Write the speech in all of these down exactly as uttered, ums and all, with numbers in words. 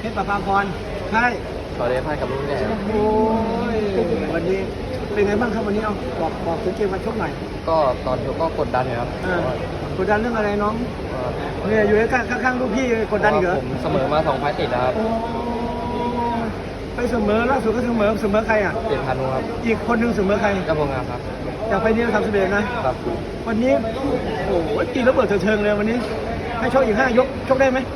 ชรประภาพรใช่ต่อเดฟให้กับลูกแก่โอ้ยวันนี้เป็นไงบ้างครับวันนี้เอาบอกบอกถึงเกมวันชกหน่อยก็ตอนชกก็กดดันอยู่ครับเออกดดันเรื่องอะไรน้องก็เนี่ยอยู่ข้างข้างๆลูกพี่กดดันอีกเหรอผมเสมอมาสองไฟต์ติดนะครับโอ้ไปเสมอล่าสุดก็เสมอเสมอใครอ่ะเจ็ดพันครับอีกคนหนึ่งเสมอใครเจ้าพงงามครับจากไปนี้เราทำสำเร็จนะครับ วันนี้โอ้โหตีระเบิดเถิงๆเลยวันนี้ ให้ชกอีกห้ายกชกได้ไหม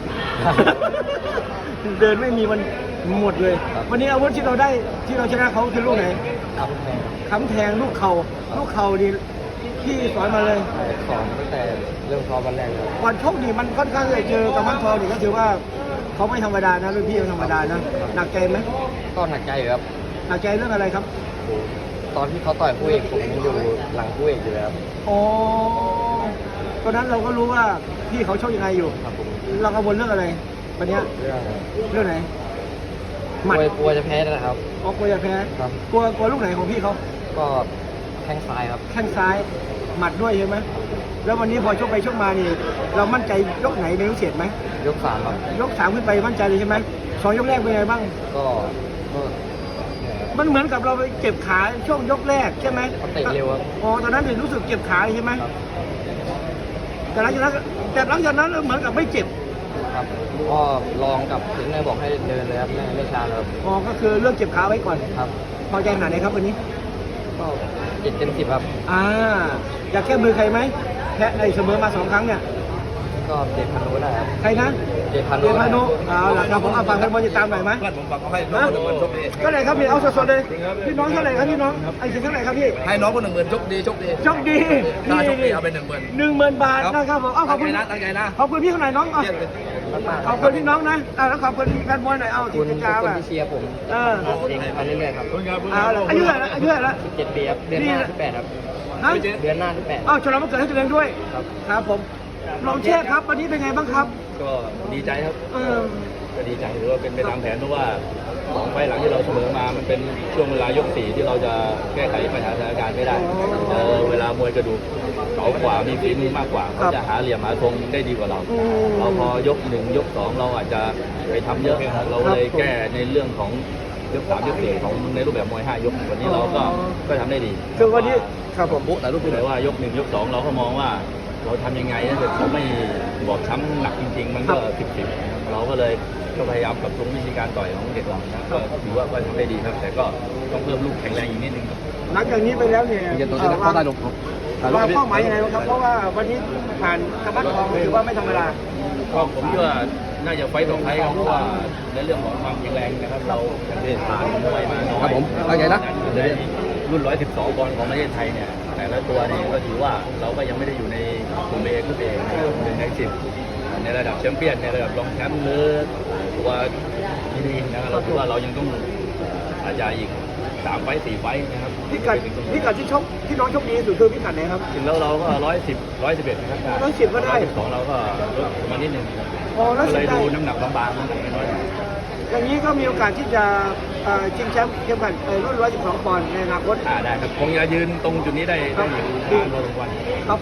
เดินไม่มีมันหมดเลย วันนี้อาวุธที่เราได้ที่เราชนะเขาคือลูกไหนครับแม่ค้ำแทงลูกเขา่าลูกเข่าดีพี่สอนมาเลยสอนตั้งแต่เริ่มซ้อมวันแรกเลยก่อนชกนี่มันค่อนข้างจะเจอกับมันทองนี่ก็ถือว่าเขาไม่ธรรมดานะรุ่นพี่ไม่ธรรมดานะหนักใจไหมก็หนักใจอยู่ครับหนักใจเรื่องอะไรครับตอนที่เขาต่อยคู่เอกผมยังอยู่หลังคู่เอกอยู่เลยครับอ๋อตอนนั้นเราก็รู้ว่าพี่เขาชกยังไงอยู่ครับผมเรากังวลเรื่องอะไรวันเนี้ยเรื่องเรื่องไหนหกมัดลัวกลัวจะแพ้นั่นแหละครับอ๋อกลัวจะแพ้ครับกลัวกลัวลูกไหนของพี่เขาก็แข้งซ้ายครับแข้งซ้ายหมัดด้วยใช่ไหมแล้ววันนี้พอชกไปชกมานี่ เรามั่นใจยกไหนเป็นพิเศษไหมยกสามครับยกสามขึ้นไปมั่นใจเลยใช่ไหมสองยกแรกเป็นไงบ้างก็ก็เหนื่อยครับมันเหมือนกับเราไปเก็บขาช่วงยกแรกใช่ไหมเขาเตะเร็วครับอ๋อตอนนั้นเห็นรู้สึกเก็บขาใช่ไหมครับแต่หลังจากนั้นแต่หลังจากนั้นเหมือนกับไม่เจ็บครับก็ลองกับถึงเลยบอกให้เดินเลยครับไม่ไม่ช้าเลยครับอ๋อก็คือเลือกเก็บขาไว้ก่อนครับพอใจขนาดไหนครับวันนี้ก็เจ็ดเต็มสิบครับอ่าอยากแก้มือใครไหมแพ้ไอ้เสมอมาสองครั้งเนี่ยก็เจ็ดพันโลได้ครับใครนะเจ็ดพันโลเดชได้พานุเอาล่ะครับผมเอาฝากแฟนบอลติดตามหน่อยไหมเพื่อนผมฝากเขาให้น้องคนหนึ่งหมื่นชกดีก็เลยครับพี่เอาสดๆเลยพี่น้องเท่าไหร่ครับพี่น้องไอ้สิงเท่าไหร่ครับพี่ให้น้องคนหนึ่งหมื่นชกดีชกดีโชคดีถ้าชกดีเอาไปหนึ่งหมื่นหนึ่งหมื่นบาทนะครับผมเอาขอบตั้งคุณใจนะตั้งใจนะขอบคุณพี่คนไหนน้องเอาเยี่ยมเลยขอบคุณพี่น้องนะอ่าแล้วขอบคุณแฟนบอลหน่อยเอาขอบที่คุณติทุดกตามคนอ่ะที่เชียร์ผมเออเองมาเรื่อยๆครับเอาละอายุเท่าไหร่ละอายุเท่าไหร่ละสิบเจ็ดปีครับเดือนหน้าที่แปดครับฮะเดือนหน้าที่แปดอ้าวฉลองวันเกิดให้ตัวเองด้วยครับครับผมลองเชษครับวันนี้เป็นไงบ้างครับก็ดีใจครับเออก็ดีใจหรือว่าเป็นไปตามแผนเพราะว่าสองไฟล์หลังที่เราเสมอมา มันเป็นช่วงเวลายกสี่ที่เราจะแก้ไขปัญหาสถานการณ์ไม่ได้เออเวลามวยกระดูกเก๋ากว่ามีฝีมือมากกว่าเขาจะหาเหลี่ยมหาทรงได้ดีกว่าเรา เราพอยกหนึ่งยกสองเราอาจจะไปทำเยอะเราเลยแก้ในเรื่องของยกสามยกสี่ของในรูปแบบมวยห้ายกวันนี้เราก็ก็ทำได้ดีคือวันนี้ครับผมปุ๊แต่รูปที่ไหนว่ายกหนึ่งยกสองเราก็มองว่าเราทำยังไงถ้าเกิดเขาไม่บอบช้ำหนักจริง ๆ มันก็สิบสิบเราก็เลยก็พยายามปรับปรุงวิธีการต่อยของเด็กเรานะก็ถือว่าก็ทำได้ดีครับ แต่ก็ต้องเพิ่มลูกแข็งแรงอีกนิดนึงครับหลังจากนี้ไปแล้วเนี่ยเย็นตัวจะได้เข้าได้ลงครับวางเป้าหมายยังไงบ้างครับเพราะว่าวันนี้ผ่านกระบัดทองถือว่าไม่ธรรมดาก็ผมคิดว่าน่าจะไฟต์ต่อไฟต์ครับเพราะว่าในเรื่องของความแข็งแรงนะครับ เราได้ผ่านมวยมาน้อยครับผมว่าไงนะในรุ่นหนึ่งร้อยสิบสองปอนด์ของประเทศไทยเนี่ยแต่ละตัวนี่ก็ถือว่าเราก็ยังไม่ได้อยู่ในกลุ่มเอกลุ่มเอกนะครับเป็นในสิบในระดับแชมป์เปี้ยนในระดับรองแชมป์หรือตัวดีๆนะครับเราคิดว่าเรายังต้องอาจจะอีกสามไฟต์สี่ไฟต์นะครับพิกัดพิกัดที่ชกที่น้องชกดีที่สุดคือพิกัดไหนครับถึงแล้วเราก็ร้อยสิบร้อยสิบเอ็ดนะครับร้อยสิบก็ได้สิบสองเราก็ลดมานิดนึงอ๋อแล้วก็สุเลดยได้ดูน้ำหนักบางๆน้ำหนักน้อยอย่างนี้ก็มีโอกาสที่จะเอ่อชิงแชมป์เข็มขัดเอ่อรุ่นหนึ่งร้อยสิบสองปอนด์ในอนาคตอ่าได้ครับคงจะยืนตรงจุดนี้ได้ได้อยู่นานพอสมควรครับ